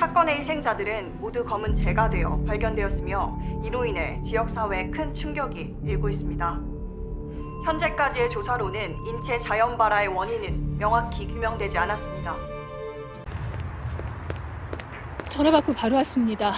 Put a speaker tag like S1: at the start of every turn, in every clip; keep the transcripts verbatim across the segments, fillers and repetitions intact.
S1: 사건의 희생자들은 모두 검은 재가 되어 발견되었으며 이로 인해 지역사회에 큰 충격이 일고 있습니다. 현재까지의 조사로는 인체 자연발화의 원인은 명확히 규명되지 않았습니다.
S2: 전화 받고 바로 왔습니다.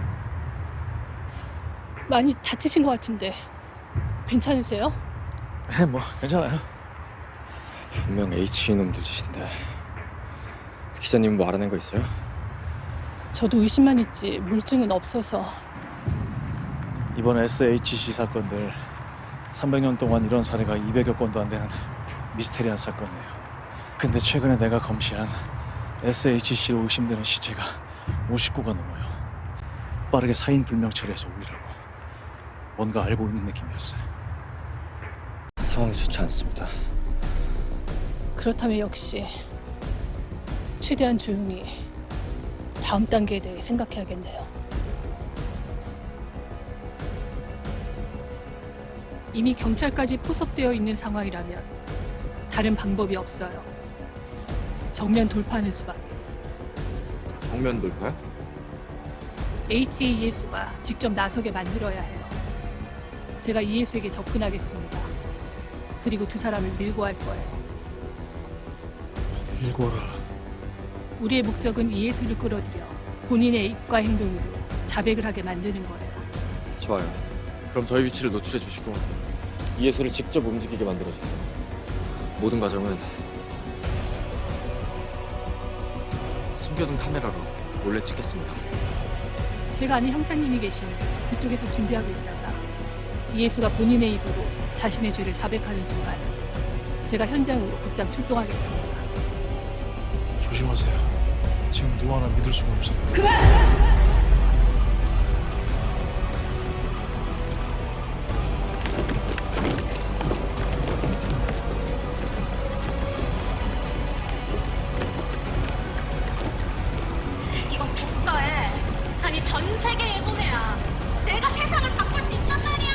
S2: 많이 다치신 것 같은데 괜찮으세요?
S3: 네, 뭐 괜찮아요.
S4: 분명 H 이놈들 짓인데 기자님 뭐 알아낸 거 있어요?
S2: 저도 의심만 했지 물증은 없어서.
S3: 이번 에스에이치씨 사건들 삼백 년 동안 이런 사례가 이백여 건도 안 되는 미스테리한 사건이에요. 근데 최근에 내가 검시한 에스에이치씨로 의심되는 시체가 오십구가 넘어요. 빠르게 사인 불명 처리해서 올리라고. 뭔가 알고 있는 느낌이었어요.
S4: 상황이 좋지 않습니다.
S2: 그렇다면 역시 최대한 조용히 다음 단계에 대해 생각해야겠네요. 이미 경찰까지 포섭되어 있는 상황이라면 다른 방법이 없어요. 정면 돌파하는 수밖에.
S4: 정면 돌파요?
S2: 에이치이에스가 직접 나서게 만들어야 해요. 제가 이에스에게 접근하겠습니다. 그리고 두 사람을 밀고 할 거예요.
S3: 일고라.
S2: 우리의 목적은 이에스를 끌어들여 본인의 입과 행동으로 자백을 하게 만드는 거예요.
S4: 좋아요. 그럼 저희 위치를 노출해 주시고 이예수를 직접 움직이게 만들어 주세요. 모든 과정은 숨겨둔 카메라로 몰래 찍겠습니다.
S2: 제가 아는 형사님이 계시니 그쪽에서 준비하고 있다가 이예수가 본인의 입으로 자신의 죄를 자백하는 순간 제가 현장으로 곧장 출동하겠습니다.
S3: 조심하세요. 지금 누구 하나 믿을 수가 없어요.
S2: 그만!
S5: 이건 국가의, 아니 전 세계의 손해야. 내가 세상을 바꿀 수 있단 말이야.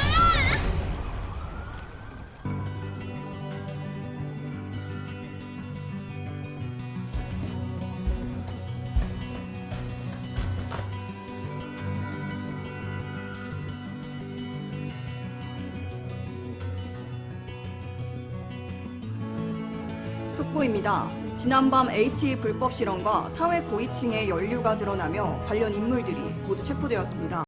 S1: 속보입니다. 지난밤 H 불법 실험과 사회 고위층의 연루가 드러나며 관련 인물들이 모두 체포되었습니다.